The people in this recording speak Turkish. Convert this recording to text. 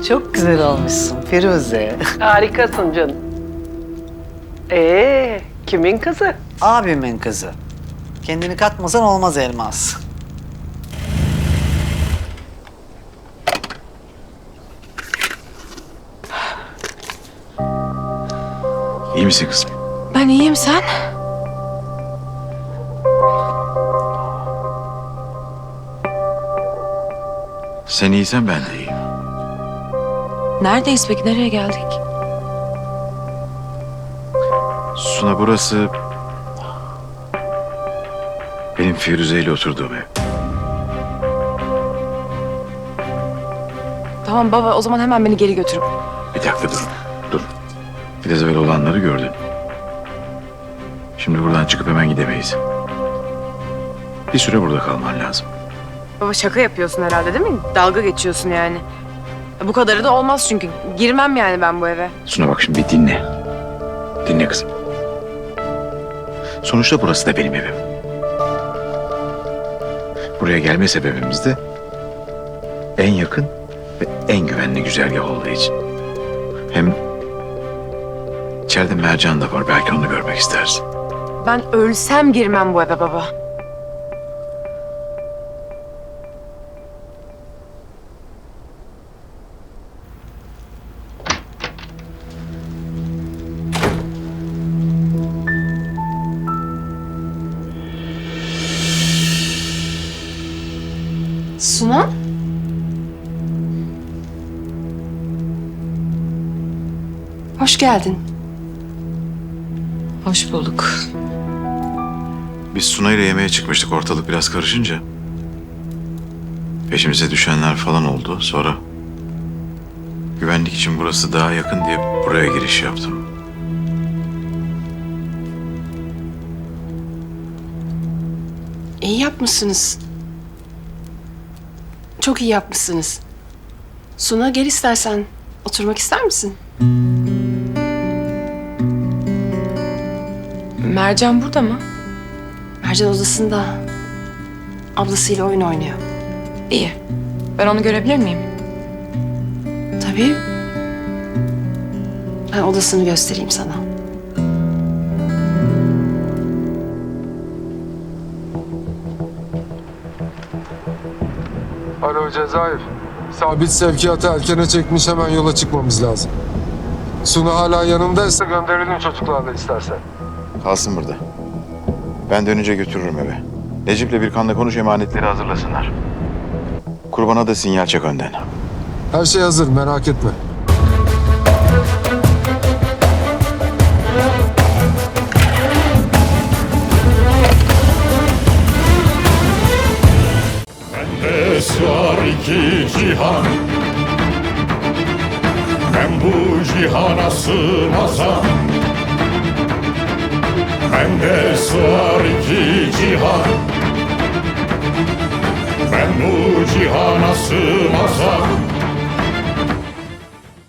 Çok güzel olmuşsun Firuze. Harikasın canım. Kimin kızı? Abimin kızı. Kendini katmasan olmaz Elmas. İyi misin kızım? Ben iyiyim, sen? Sen iyisen ben de iyiyim. Neredeyiz peki, nereye geldik? Suna, burası benim Firuze ile oturduğum ev. Tamam baba, o zaman hemen beni geri götür. Bir dakika dur. Biraz evvel olanları gördün. Şimdi buradan çıkıp hemen gidemeyiz. Bir süre burada kalman lazım. Baba şaka yapıyorsun herhalde değil mi? Dalga geçiyorsun yani. Bu kadarı da olmaz çünkü. Girmem yani ben bu eve. Suna bak şimdi bir dinle. Dinle kızım. Sonuçta burası da benim evim. Buraya gelme sebebimiz de en yakın ve en güvenli güzergah olduğu için. Hem içeride Mercan da var. Belki onu görmek istersin. Ben ölsem girmem bu eve baba. Suna? Hoş geldin. Hoş bulduk. Biz Suna ile yemeğe çıkmıştık, ortalık biraz karışınca. Peşimize düşenler falan oldu. Sonra güvenlik için burası daha yakın diye buraya giriş yaptım. İyi yapmışsınız. Çok iyi yapmışsınız. Suna gel istersen. Oturmak ister misin? Mercan burada mı? Mercan odasında. Ablasıyla oyun oynuyor. İyi. Ben onu görebilir miyim? Tabii. Ben odasını göstereyim sana. Alo Cezayir. Sabit sevkiyatı erkene çekmiş, hemen yola çıkmamız lazım. Suna hala yanımdaysa gönderelim çocuklarla istersen. Kalsın burada. Ben dönünce götürürüm eve. Necip'le bir kanla konuş, emanetleri hazırlasınlar. Kurbana da sinyal çek önden. Her şey hazır, merak etme. Bende sığar iki cihan, ben bu cihana sığmazam. Bende sığar iki cihan, ben bu cihana sığmazam.